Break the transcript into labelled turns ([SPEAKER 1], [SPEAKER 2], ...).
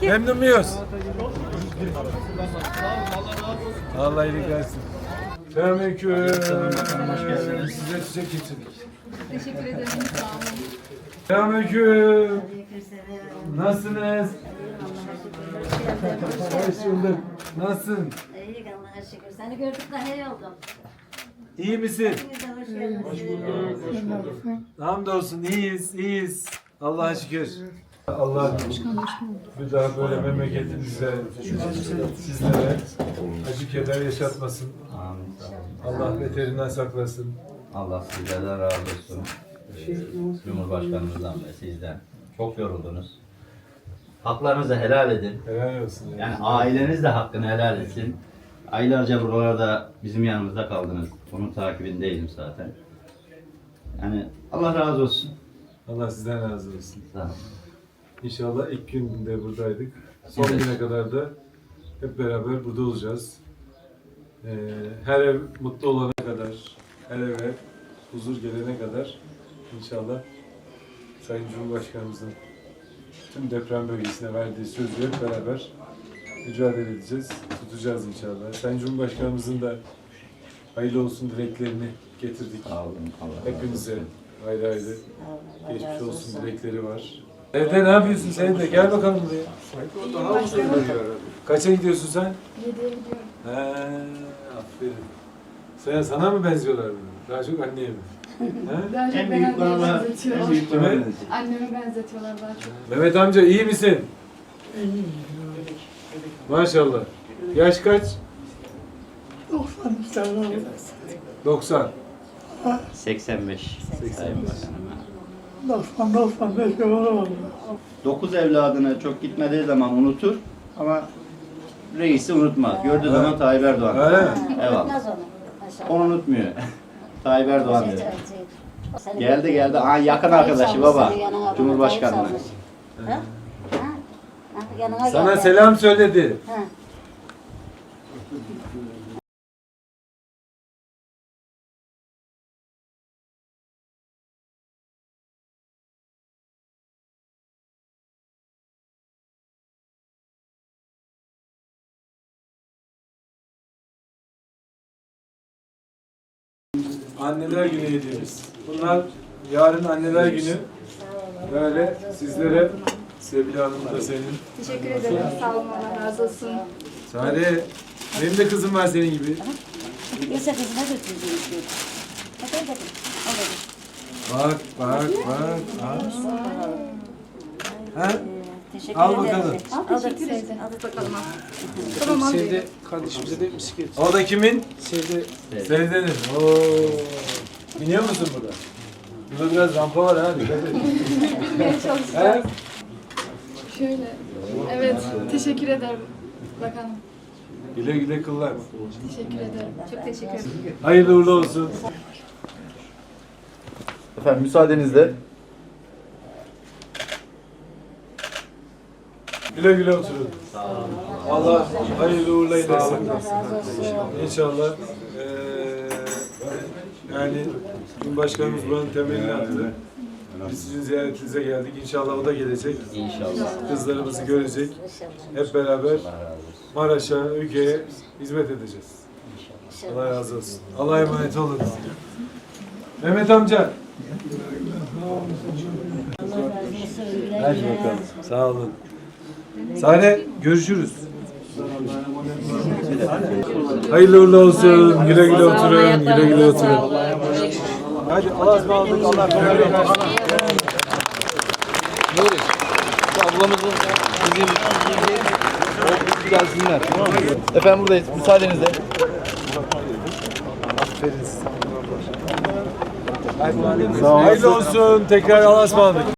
[SPEAKER 1] Memnun muyuz? Allah iyilik versin. Selamünaleyküm.
[SPEAKER 2] Hoş geldiniz.
[SPEAKER 1] Size çiçek getirdik.
[SPEAKER 3] Teşekkür ederim. Sağ olun.
[SPEAKER 1] Selamünaleyküm. Nasılsınız? Hoş bulduk. Nasılsın?
[SPEAKER 4] İyi Allah'a şükür. Seni gördük daha iyi oldum.
[SPEAKER 1] İyi misin?
[SPEAKER 4] Siz de hoş geldiniz. Hoş bulduk.
[SPEAKER 1] Hamdolsun iyiyiz, iyiyiz. Allah'a şükür. Allah bir daha böyle memleketimize, sizlere acı keder yaşatmasın. Allah beterinden saklasın.
[SPEAKER 2] Allah sizlerden razı olsun. Cumhurbaşkanımızdan ve sizden. Çok yoruldunuz. Haklarınızı helal edin.
[SPEAKER 1] Helal olsun.
[SPEAKER 2] Yani aileniz de hakkını helal etsin. Aylarca buralarda bizim yanımızda kaldınız. Onun takibindeydim zaten. Yani Allah razı olsun.
[SPEAKER 1] Allah sizden razı olsun.
[SPEAKER 2] Sağ olun.
[SPEAKER 1] İnşallah ilk günde buradaydık. Son
[SPEAKER 2] Evet.
[SPEAKER 1] güne kadar da hep beraber burada olacağız. Her ev mutlu olana kadar, her eve huzur gelene kadar inşallah Sayın Cumhurbaşkanımızın tüm deprem bölgesine verdiği sözü hep beraber mücadele edeceğiz, tutacağız inşallah. Sayın Cumhurbaşkanımızın da hayırlı olsun dileklerini getirdik.
[SPEAKER 2] Sağ olun. Allah razı
[SPEAKER 1] Hepinize
[SPEAKER 2] olsun.
[SPEAKER 1] ayrı ayrı geçmiş olsun dilekleri var. Evde ne yapıyorsun sen de? Gel bakalım buraya. Kaça gidiyorsun sen?
[SPEAKER 3] 7'ye gidiyorum.
[SPEAKER 1] He, aferin. Sana mı benziyorlar bunu? Daha çok anneye mi? He?
[SPEAKER 3] Daha çok
[SPEAKER 2] En
[SPEAKER 3] ben
[SPEAKER 2] büyük
[SPEAKER 3] anneme
[SPEAKER 2] bana, en
[SPEAKER 3] benzetiyorlar.
[SPEAKER 2] büyük bana
[SPEAKER 1] Kime?
[SPEAKER 2] benziyor.
[SPEAKER 3] Anneme benzetiyorlar daha çok.
[SPEAKER 1] Mehmet amca iyi misin? Maşallah. Yaş kaç? 90.
[SPEAKER 2] 85.
[SPEAKER 5] 95 yıl oldu.
[SPEAKER 2] 9 evladını çok gitmediği zaman unutur ama reisi unutmaz. Gördüğü zaman Tayyip Erdoğan.
[SPEAKER 1] Öyle mi?
[SPEAKER 2] Eyvallah.
[SPEAKER 4] Unutmaz onu. Maşallah.
[SPEAKER 2] Onu unutmuyor. Tayyip Erdoğan dedi.
[SPEAKER 4] Seni
[SPEAKER 2] Geldi
[SPEAKER 4] gördük.
[SPEAKER 2] geldi. Aa, yakın
[SPEAKER 4] Tayyip
[SPEAKER 2] arkadaşı
[SPEAKER 4] salmış,
[SPEAKER 2] baba.
[SPEAKER 4] seni yanına adamı
[SPEAKER 2] Cumhurbaşkanlığı.
[SPEAKER 4] Tayyip salmış. Ha? Ha? Ha, yanına
[SPEAKER 1] Sana
[SPEAKER 4] geldi.
[SPEAKER 1] selam söyledi.
[SPEAKER 4] Ha.
[SPEAKER 1] Anneler Günü hediyemiz. Bunlar yarın Anneler Günü. Böyle sizlere Sevgili Hanım da senin.
[SPEAKER 3] Teşekkür ederim. Sağ olun. Allah razı olsun.
[SPEAKER 1] Sare, benim de kızım var senin gibi.
[SPEAKER 4] Yoksa kızına götüreceğim diyor. Hadi hadi. Al hadi.
[SPEAKER 1] Bak. Ha?
[SPEAKER 4] Teşekkür
[SPEAKER 1] Al
[SPEAKER 4] ederim.
[SPEAKER 1] bakalım.
[SPEAKER 4] Al teşekkür ederim.
[SPEAKER 3] Al bakalım. Tamam al.
[SPEAKER 5] Sevde kardeşimize de bisiklet.
[SPEAKER 1] O da kimin?
[SPEAKER 5] Sevde
[SPEAKER 1] Sevdenin. Oo. Biniyor musun burada? Burada biraz rampa var ha. Dikkat et.
[SPEAKER 3] Bilmeye
[SPEAKER 1] He?
[SPEAKER 3] çalışacağız. Şöyle. Evet. Teşekkür ederim. Bakalım.
[SPEAKER 1] Güle güle kullan.
[SPEAKER 3] Teşekkür ederim. Çok teşekkür ederim.
[SPEAKER 1] Hayırlı uğurlu olsun.
[SPEAKER 6] Efendim müsaadenizle
[SPEAKER 1] Güle güle oturun. Allah hayırlı uğurlu eylesin.
[SPEAKER 4] Allah razı olsun.
[SPEAKER 1] İnşallah yani Cumhurbaşkanımız buranın temelini attı. Biz sizin ziyaretinize geldik. İnşallah o da gelecek.
[SPEAKER 2] İnşallah.
[SPEAKER 1] Kızlarımızı görecek. Hep beraber Maraş'a, ülkeye hizmet edeceğiz. Allah razı olsun. Allah'a emanet olun. Mehmet amca.
[SPEAKER 4] Allah razı olsun. Güle
[SPEAKER 1] Hadi
[SPEAKER 4] güle.
[SPEAKER 1] bakalım. Sağ olun. Sare görüşürüz. Hayırlı uğurlu olsun. Güle güle oturun. Güle güle oturun. Hadi Allah'a ısmarladık. Allah kolaylık versin.
[SPEAKER 6] Nuri, şu ablamızın bizim gelsinler. Tamam mı? Efendim buradayız. Müsaadenizle.
[SPEAKER 1] Hayırlı olsun. Tekrar Allah'a ısmarladık.